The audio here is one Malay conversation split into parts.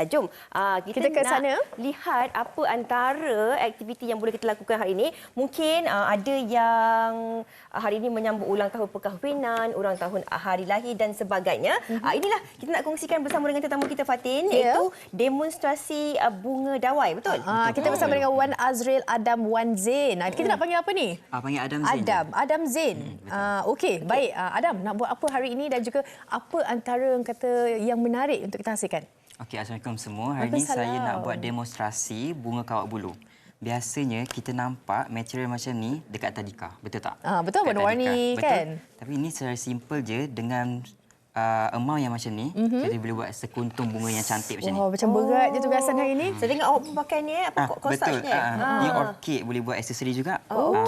Jom kita ke nak sana. lihat apa antara aktiviti yang boleh kita lakukan hari ini. Mungkin ada yang hari ini menyambut ulang tahun perkahwinan, ulang tahun hari lahir dan sebagainya. Inilah kita nak kongsikan bersama dengan tetamu kita Fatin, iaitu demonstrasi bunga dawai, betul? Kita bersama dengan Wan Azril Adam Wan Zain. Kita nak panggil apa ni? Panggil Adam Zain. Adam Zain. Okey, baik. Adam, nak buat apa hari ini dan juga apa antara yang menarik untuk kita hasilkan? Okey, Assalamualaikum semua. Hari ini saya nak buat demonstrasi bunga kawat bulu. Biasanya kita nampak material macam ni dekat tadika, betul tak? Betul, warna-warni kan? Betul. Tapi ini secara simple je dengan amount yang macam ni, kita boleh buat sekuntum bunga yang cantik macam ni. Macam berat je tugasan hari ini. Saya tengok awak pun pakai ni, betul. Ni orchid, boleh buat aksesori juga.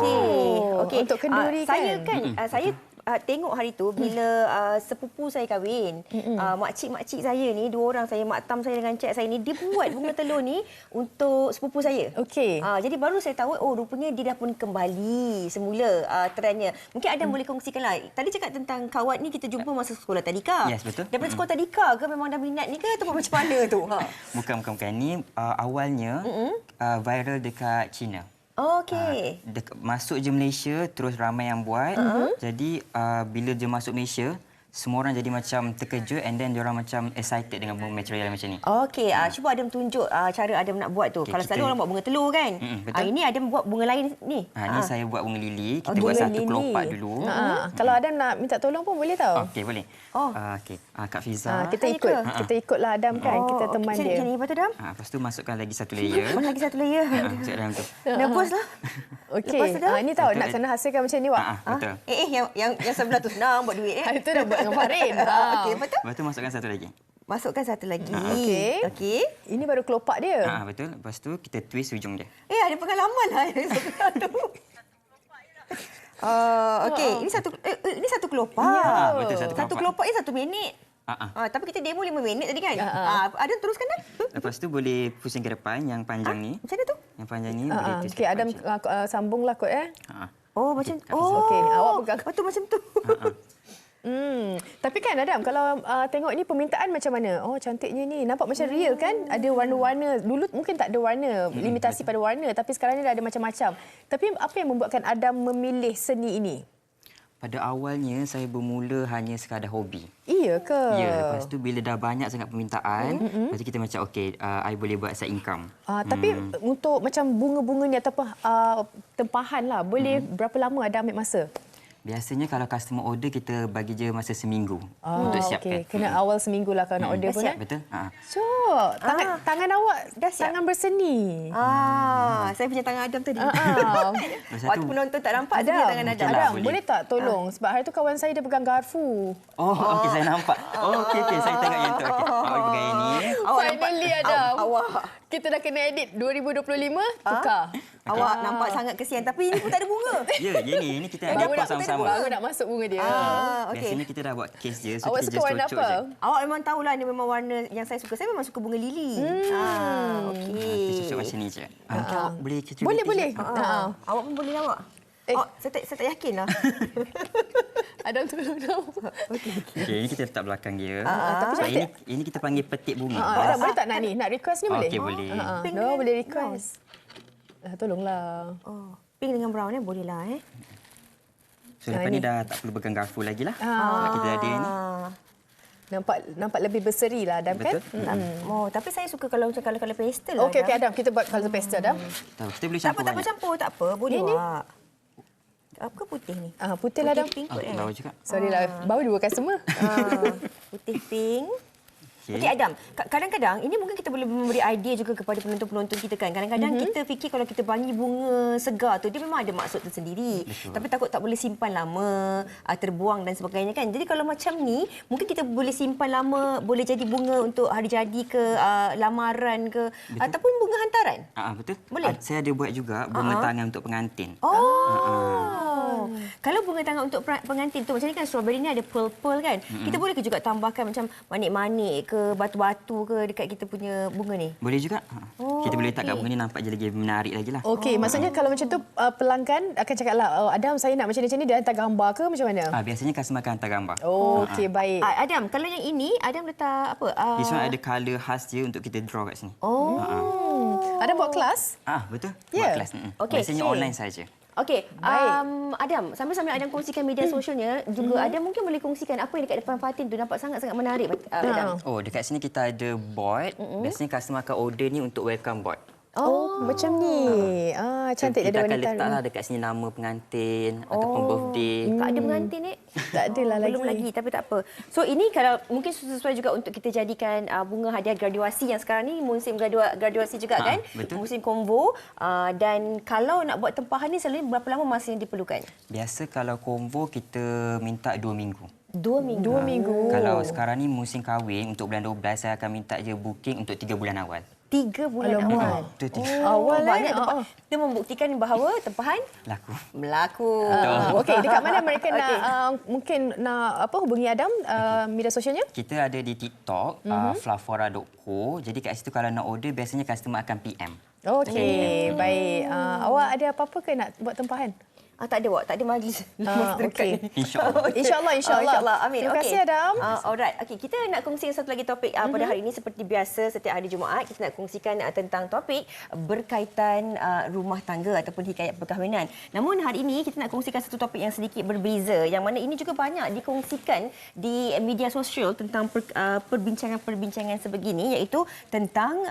Okey. Untuk kenduri kan? Saya tengok hari tu bila sepupu saya kahwin, makcik-makcik saya ni, dua orang saya, mak tam saya dengan cik saya ni, dia buat bunga telur ni untuk sepupu saya. Okey. Jadi baru saya tahu, rupanya dia dah pun kembali semula trendnya. Mungkin Adam boleh kongsikanlah. Tadi cakap tentang kawat ni kita jumpa masa sekolah tadika. Yes, betul. Daripada sekolah tadika ke memang dah minat ni ke atau macam mana tu? Bukan. Ni awalnya viral dekat China. Okey. Masuk je Malaysia, terus ramai yang buat. Jadi bila dia masuk Malaysia, semua orang jadi macam terkejut and then diorang macam excited dengan bunga material macam ni. Okey, cuba Adam tunjuk cara Adam nak buat tu. Okay, kalau selalu orang buat bunga telur kan. Betul. Ini Adam buat bunga lain ni. Ni saya buat bunga lili. Kita buat satu kelopak dulu. Kalau Adam nak minta tolong pun boleh tau. Okey, boleh. Okey. Kak Fiza. Kita ikutlah Adam kan. Kita teman dia. Macam ni, lepas tu Adam? Lepas tu masukkan lagi satu layer. Lagi satu layer. Masuk dalam tu. Nervous lah. Okey. Ini tahu nak kena hasilkan macam ni, Wak. Betul. Yang sebelah tu senang buat duit. Itu dah buat dengan Farin. Okey, betul. Lepas tu masukkan satu lagi. Masukkan satu lagi. Okey. Ini baru kelopak dia. Betul. Lepas tu kita twist hujung dia. Ada pengalaman lah yang sebelah tu. Okey, ini satu kelopak. Ya, betul, Satu kelopak ni 1 minit. Tapi kita demo 5 minit tadi kan? Ada teruskan dah. Lepas tu boleh pusing ke depan yang panjang ni. Macam mana tu? Yang panjang ni boleh twist. Okey, Adam sambunglah kot Macam Okey, awak pegang. Betul macam tu. Tapi kan Adam, kalau tengok ni permintaan macam mana? Cantiknya ni. Nampak macam real kan? Ada warna-warna. Dulu mungkin tak ada warna, limitasi pada warna. Tapi sekarang ni dah ada macam-macam. Tapi apa yang membuatkan Adam memilih seni ini? Pada awalnya saya bermula hanya sekadar hobi. Iya ke? Ya, lepas tu bila dah banyak sangat permintaan, lepas tu kita macam okey, I boleh buat side income. Tapi untuk macam bunga-bunga ni ataupun tempahan lah, boleh berapa lama Adam ambil masa? Biasanya kalau customer order, kita bagi je masa seminggu untuk siapkan. Kena awal seminggu lah kalau nak order pun. Betul. So, tangan awak dah tangan berseni. Saya punya tangan Adam tadi. Waktu penonton tak nampak tangan Adam. Adam, boleh tak tolong? Sebab hari tu kawan saya dia pegang garfu. Okey, saya nampak. Okey, saya tengok yang tu. Okey, awak pegang yang ni. Finally Adam. Kita dah kena edit 2025, tukar. Awak nampak sangat kesian tapi ini pun tak ada bunga. Ya, ini kita nak dapat sama-sama. Baru nak masuk bunga dia. Biasanya kita dah buat case je, so awak kita suka just warna cocok apa? je. Awak memang tahulah ini memang warna yang saya suka. Saya memang suka bunga lili. Okey. Kita cocok macam ni je. Awak boleh kecil. Boleh. Awak pun boleh awak. Saya tak yakin lah. Adam tolong dong. Okey, ini kita letak belakang dia. Tapi ini kita panggil petik bunga. Adam, boleh tak nak ni? Nak request ni boleh? Okey, boleh. Boleh request. Tolonglah. Pink dengan brown boleh lah. So lepas ni dah tak perlu pegang garfu lagi lah. Sebab kita ada ni. Nampak lebih berseri lah Adam. Betul. Kan? Tapi saya suka kalau pastel. Okey Adam, kita buat colour pastel Adam. Kita boleh campur banyak. Campur tak apa. Boleh awak. Apa putih ni? Putih lah Adam. Pink Bawah juga. Sorry lah, baru 2 customer. Putih pink. Okey Adam, kadang-kadang ini mungkin kita boleh memberi idea juga kepada penonton-penonton kita kan. Kadang-kadang kita fikir kalau kita bagi bunga segar tu dia memang ada maksud tersendiri. Betul. Tapi takut tak boleh simpan lama, terbuang dan sebagainya kan. Jadi kalau macam ni, mungkin kita boleh simpan lama, boleh jadi bunga untuk hari jadi ke, lamaran ke, ataupun bunga hantaran. Betul. Boleh. Saya ada buat juga bunga tangan untuk pengantin. Kalau bunga tangan untuk pengantin tu macam ni kan, strawberry ni ada pearl-pearl kan. Kita boleh ke juga tambahkan macam manik-manik ke batu-batu ke dekat kita punya bunga ni? Boleh juga. Kita boleh letak kat bunga ni nampak je lagi menarik lagi lah. Okey, maksudnya kalau macam tu pelanggan akan cakaplah, Adam saya nak macam ni, dia hantar gambar ke macam mana? Biasanya customer akan hantar gambar. Okey, baik. Adam, kalau yang ini Adam letak apa? This one ada colour khas dia untuk kita draw kat sini. Adam buat kelas? Betul. Ya. Buat kelas. Okey. Biasanya online saja. Okey, Baik. Adam, sambil-sambil Adam kongsikan media sosialnya, juga Adam mungkin boleh kongsikan apa yang dekat depan Fatin tu nampak sangat-sangat menarik, Adam. Dekat sini kita ada board. Biasanya customer akan order ni untuk welcome board. Macam ni. Cantik Kita ada akan wanita. letaklah dekat sini nama pengantin ataupun birthday. Tak ada pengantin ni? Tak adalah lagi. Belum lagi, tapi tak apa. So ini kalau mungkin sesuai juga untuk kita jadikan bunga hadiah graduasi yang sekarang ni musim graduasi juga kan? Betul. Musim konvo. Dan kalau nak buat tempahan ni selalunya berapa lama masa yang diperlukan? Biasa kalau combo kita minta 2 minggu. 2 minggu. 2 minggu. Kalau sekarang ni musim kahwin untuk bulan 12 saya akan minta je booking untuk 3 bulan awal. 3 bulan awal. Itu Awal Banyak tempat. Kita membuktikan bahawa tempahan laku. berlaku. Okey, dekat mana mereka nak mungkin nak hubungi Adam media sosialnya? Kita ada di TikTok flafora.co. Jadi kat situ kalau nak order biasanya customer akan PM. Okey, baik. Awak ada apa-apa ke nak buat tempahan? Tak ada, Wak. Tak ada majlis. Okey. InsyaAllah. InsyaAllah. Amin. Terima kasih, Adam. Alright. Okey, kita nak kongsikan satu lagi topik pada hari ini. Seperti biasa, setiap hari Jumaat, kita nak kongsikan tentang topik berkaitan rumah tangga ataupun hikayat perkahwinan. Namun hari ini, kita nak kongsikan satu topik yang sedikit berbeza. Yang mana ini juga banyak dikongsikan di media sosial tentang perbincangan-perbincangan sebegini, iaitu tentang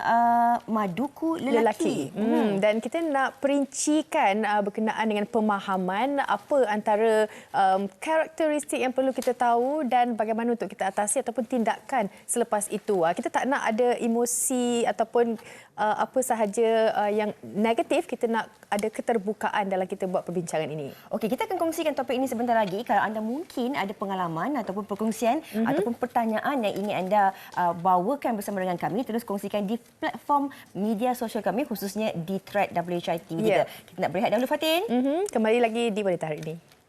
maduku lelaki. Dan kita nak perincikan berkenaan dengan pemahaman apa antara karakteristik yang perlu kita tahu dan bagaimana untuk kita atasi ataupun tindakan selepas itu. Kita tak nak ada emosi ataupun apa sahaja yang negatif, kita nak ada keterbukaan dalam kita buat perbincangan ini. Okey, kita akan kongsikan topik ini sebentar lagi. Kalau anda mungkin ada pengalaman ataupun perkongsian ataupun pertanyaan yang ingin anda bawakan bersama dengan kami, terus kongsikan di platform media sosial kami, khususnya di thread WHI TV. Kita nak berehat dahulu, Fatin. Kembali lagi di Wanita Hari ini.